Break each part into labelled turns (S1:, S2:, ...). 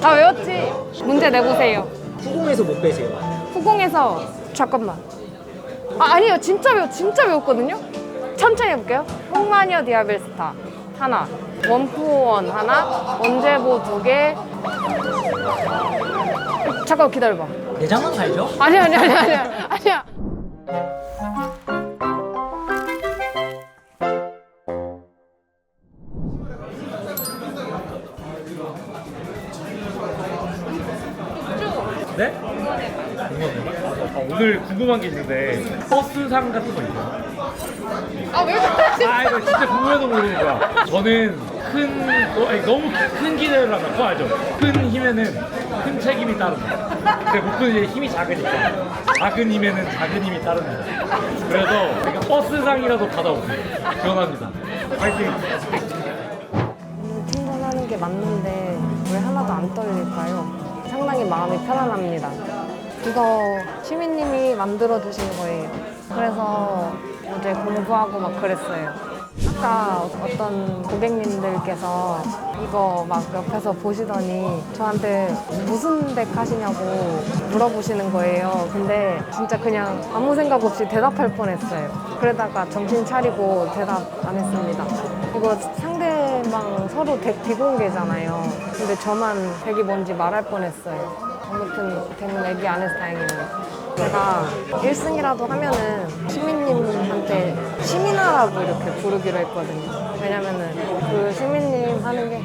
S1: 다 외웠지? 문제 내보세요.
S2: 후공에서 못 빼세요.
S1: 후공에서 잠깐만. 아니요, 진짜 외웠거든요. 천천히 해볼게요. 홍마녀 디아벨스타 하나, 원푸원 하나, 원제보 2개. 잠깐 기다려봐.
S2: 내장은 알죠?
S1: 아니야.
S3: 네? 오늘 궁금한 게 있는데 버스상 같은 거 있나요?
S1: 왜 그러지?
S3: 이거 진짜 궁금해서 물어보는 거야. 저는 너무 큰 기대를 하면 그거 알죠? 큰 힘에는 큰 책임이 따른다. 근데 목표는 이제 힘이 작으니까 작은 힘에는 작은 힘이 따릅니다. 그래서 제가 버스상이라도 받아오세요. 기원합니다. 파이팅!
S1: 팀전하는 게 맞는데 왜 하나도 안 떨릴까요? 상당히 마음이 편안합니다. 이거 시민님이 만들어 주신 거예요. 그래서 어제 공부하고 막 그랬어요. 아까 어떤 고객님들께서 이거 막 옆에서 보시더니 저한테 무슨 덱 하시냐고 물어보시는 거예요. 근데 진짜 그냥 아무 생각 없이 대답할 뻔했어요. 그러다가 정신 차리고 대답 안 했습니다. 이거 상대방 서로 덱 비공개잖아요. 근데 저만 덱이 뭔지 말할 뻔했어요. 아무튼 덱은 얘기 안 해서 다행이네요. 제가 1승이라도 하면은 시민님한테 시민아라고 이렇게 부르기로 했거든요. 왜냐면은 그 시민님 하는 게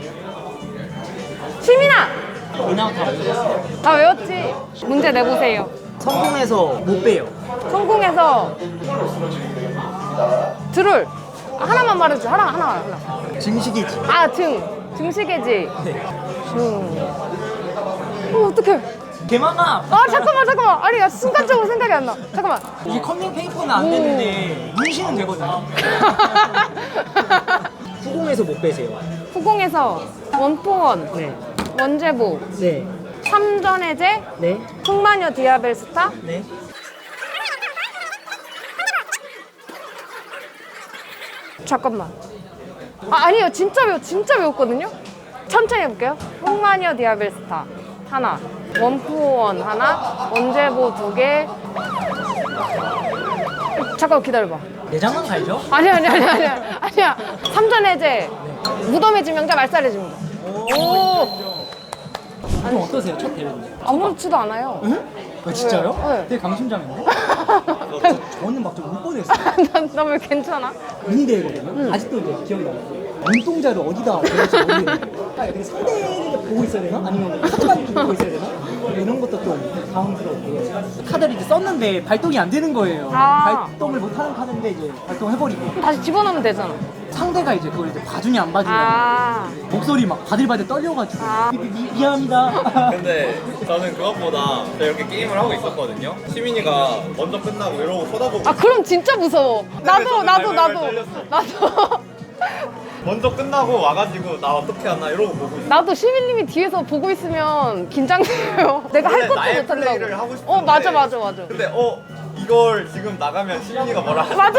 S1: 시민아!
S2: 인아웃 다 외웠어요.
S1: 다 외웠지? 문제 내보세요.
S2: 성공해서 못 빼요.
S1: 성공해서 드롤 하나만 말해줘. 하나.
S2: 증식이지.
S1: 증식해지.
S2: 네.
S1: 어떡해.
S2: 개망아.
S1: 잠깐만. 아니, 야, 순간적으로 생각이 안 나. 잠깐만.
S2: 이게 컨닝 페이퍼는 안 되는데 문신은 되거든요. 후공에서 못 빼세요.
S1: 후공에서 원포원,
S2: 네.
S1: 원제보,
S2: 네.
S1: 3전 해제,
S2: 네.
S1: 흑마녀 디아벨스타.
S2: 네.
S1: 잠깐만. 아니요, 진짜 외웠거든요. 천천히 해볼게요. 흑마녀 디아벨스타 하나, 원푸원 하나, 원제보 2개. 잠깐 기다려봐.
S2: 내장은 알죠?
S1: 아니야. 3전 해제, 무덤의 지명자, 말살의 지명자.
S2: 좀 어떠세요? 첫 대회인데?
S1: 아무렇지도 않아요.
S2: 응? 진짜요?
S1: 네.
S2: 되게 강심장인데? 저는 막 좀 울 뻔했어요.
S1: 나 왜 괜찮아?
S2: 미니대회거든요? 아직도 이제 기억이 나요. 눈동자를 어디다 대는지 모르겠는데 근데 상대를 보고 있어야 되나? 아니면 카드만 보고 있어야 되나? 이런 것도 좀 당황스럽고 카드를 이제 썼는데 발동이 안 되는 거예요. 발동을 못하는 카드인데 이제 발동해버리고
S1: 다시 집어넣으면 되잖아.
S2: 상대가 이제 그걸 이제 봐주냐 안 봐주냐 목소리 막 바들바들 떨려가지고 미안합니다.
S4: 근데 저는 그것보다 제가 이렇게 게임을 하고 있었거든요. 시민이가 먼저 끝나고 이러고 쳐다보고
S1: 그럼 진짜 무서워. 나도.
S4: 먼저 끝나고 와가지고 나 어떻게 하나 이러고 보고 있어.
S1: 나도 시민님이 뒤에서 보고 있으면 긴장돼요. 내가 할 것도
S4: 나의
S1: 못한다고.
S4: 플레이를 하고 싶은데
S1: 맞아.
S4: 근데 이걸 지금 나가면 시민이가 뭐라 하지?
S1: 맞아.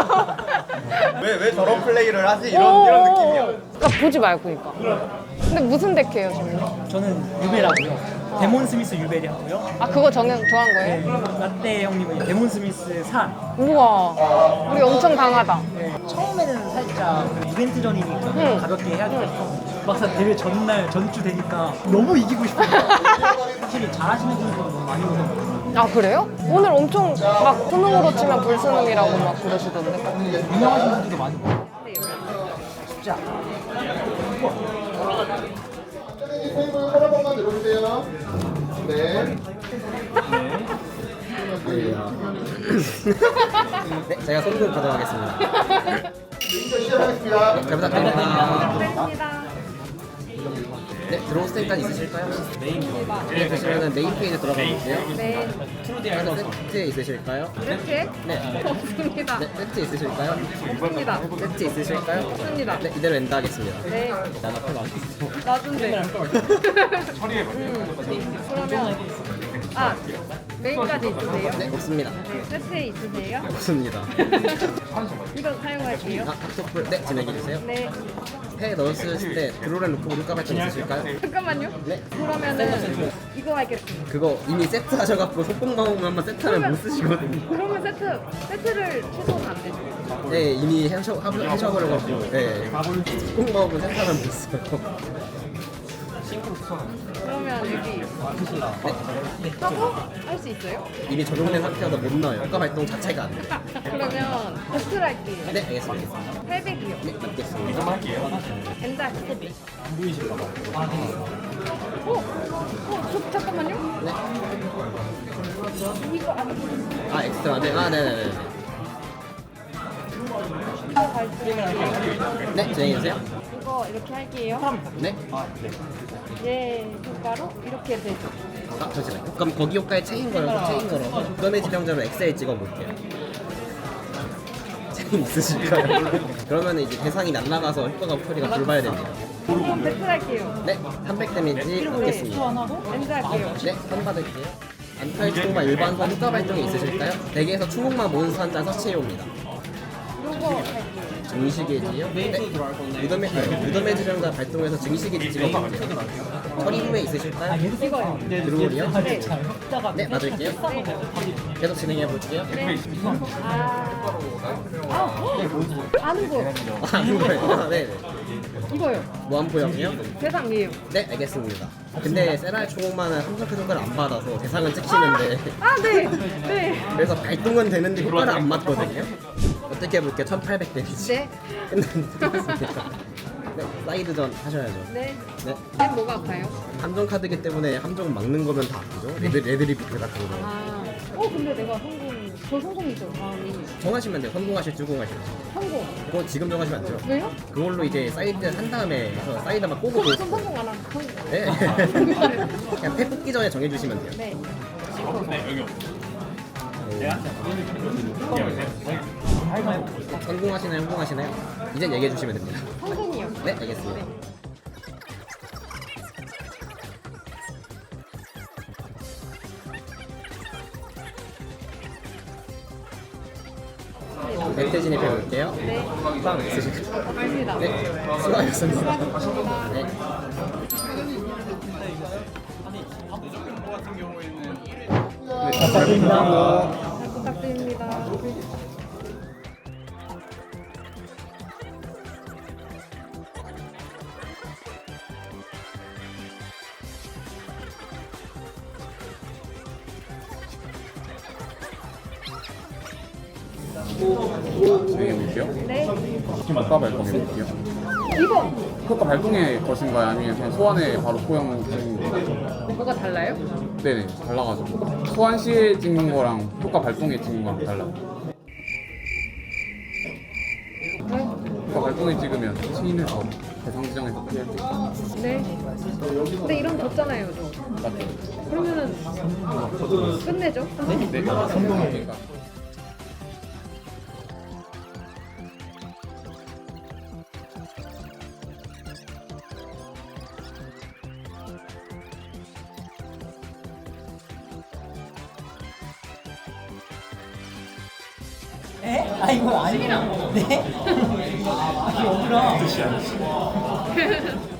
S4: 왜 저런 플레이를 하지? 이런 느낌이야.
S1: 그러니까 보지 말고 그러니까. 근데 무슨 덱해요, 시민님?
S2: 저는 유베라고요. 데몬 스미스 유베리 하고요.
S1: 그거 정한 거예요?
S2: 네, 라떼 형님은 데몬 스미스 산.
S1: 우와, 우리 엄청 강하다.
S2: 네, 처음에는 살짝 이벤트 전이니까 가볍게 해야겠어. 막상 대회 전날 전주 되니까 너무 이기고 싶어요. 확실히 잘하시는 분들은 너무 많이 오서
S1: 그래요? 오늘 엄청 막 수능으로 치면 불수능이라고 막 그러시던데.
S2: 유명하신 분들도 많이 오고. 쉽지 않아.
S5: 테이블 하나만 내려주세요. 네.
S6: 네, 제가 손금 가져가겠습니다.
S5: 이제 시작하겠습니다.
S6: 잘 부탁드립니다. 네, 들어오실 때까지 있으실까요? 네, 그러시면 메인 페이지 들어가 볼게요.
S1: 네.
S6: 하나 세트 있으실까요?
S1: 세트?
S6: 네.
S1: 없습니다.
S6: 네, 세트 있으실까요?
S1: 없습니다.
S6: 세트 있으실까요?
S1: 없습니다.
S6: 네, 이대로 엔드하겠습니다.
S1: 네.
S6: 난 앞에 놔주세요.
S1: 놔준대. 그러면 메인까지 있으세요?
S6: 네, 없습니다.
S1: 네, 세트에 있으세요?
S6: 없습니다.
S1: 이거 사용할게요.
S6: 닥터풀, 네, 진행해주세요.
S1: 네.
S6: 폐에 넣었을 때 드로렌 루크 효과 발동 있으실까요?
S1: 잠깐만요.
S6: 네.
S1: 그러면은 이거 하겠습니다.
S6: 그거 이미 세트 하셔갖고 속공마법만 세트하면 못 쓰시거든요.
S1: 그러면 세트를 취소는 안 되죠.
S6: 네, 이미 하셔버려갖고 네. 속공마법은 세트하면 못 써요.
S1: 그러면 여기 하고 할 수 있어요?
S6: 이미 적용된 상태여서 못 넣어요. 효과 발동 자체가 안 돼요.
S1: 그러면 배틀 할게요.
S6: 네, 알겠습니다.
S1: 800이요.
S6: 네, 맞겠습니다.
S1: 엔자. 잠깐만요.
S6: 네.
S1: 이거
S6: 아, 엑스트라. 네, 아, 네네네. 네, 진행해주세요.
S1: 이거 이렇게 할게요.
S6: 네.
S1: 얘 효과로 이렇게 되죠.
S6: 아, 잠시만요. 그럼 거기 효과에 체인 걸어서 무덤의 지령자로 엑셀 찍어볼게요. 체인 있으실까요? 그러면 이제 대상이 날아가서 효과가 처리가 불발이 됩니다.
S1: 그럼 배틀 할게요.
S6: 네, 300 데미지 받겠습니다.
S1: 엔자 할게요.
S6: 네, 선 받을게요. 안타의 추공만 일반선 효과 발동이 있으실까요? 대기에서 추공만 몬스터 한 잔 서치해옵니다.
S1: 요거 할게요.
S6: 증식의지요? 네. 무덤의 지령자 발동해서 증식의지 찍어볼게요. 처리 후에 있으실까요?
S1: 이거요.
S6: 드로울이요?
S1: 네.
S6: 네, 맞을게요. 계속 진행해볼게요.
S1: 아는 거.
S6: 아, 이거요? 네, 네.
S1: 이거요.
S6: 무한포역이요?
S1: 대상이에요.
S6: 네, 알겠습니다. 근데 세라의 추공만은 함정 효과를 안 받아서 대상은 찍히는데
S1: 네. 네.
S6: 그래서 발동은 되는데 효과를 안 맞거든요. 어떻게 해볼게요? 1800 데미지.
S1: 네.
S6: 끝났습니다. 네, 사이드전 하셔야죠.
S1: 네.
S6: 네.
S1: 쟤 뭐가 아파요?
S6: 함정 카드기 때문에 함정 막는 거면 다 아프죠. 레드리프트 같은 거.
S1: 근데 내가 저 성공이죠, 다음이.
S6: 정하시면 돼요. 성공하실 주공하실.
S1: 성공.
S6: 그거 지금 정하시면 안 돼요.
S1: 왜요?
S6: 그걸로 이제 사이드 한 다음에 해서 사이드만 꼬고
S1: 전 성공 안 하고 성공.
S6: 네. 그냥 패 뽑기 전에 정해주시면 돼요.
S1: 네.
S6: 성공하시나요? 성공하시나요? 이젠 얘기해 주시면 됩니다.
S1: 성공이요.
S6: 네, 알겠습니다. 멘트 진입해 볼게요.
S1: 네.
S6: 빵 있으실까요?
S1: 갑니다.
S6: 네, 수고하셨습니다. 네.
S1: 잘 부탁드립니다.
S7: 진행해볼게요.
S1: 네.
S7: 효과 발동해볼게요.
S1: 이거
S7: 효과 발동에 거신가요? 아니면 그냥 소환에 바로 포용 찍는 거예요?
S1: 뭐가 달라요?
S7: 네네, 달라가지고. 소환 시에 찍는 거랑 효과 발동에 찍는 거랑 달라요.
S1: 네.
S7: 효과 발동에 찍으면 체인에서 대상 지정에서 피할 수 있어요.
S1: 네. 근데 이런 거 줬잖아요, 저.
S7: 맞죠?
S1: 그러면은 끝내죠?
S7: 네, 성공이니까.
S2: 에? 아 이거 아니야. 네? 이게 어디라?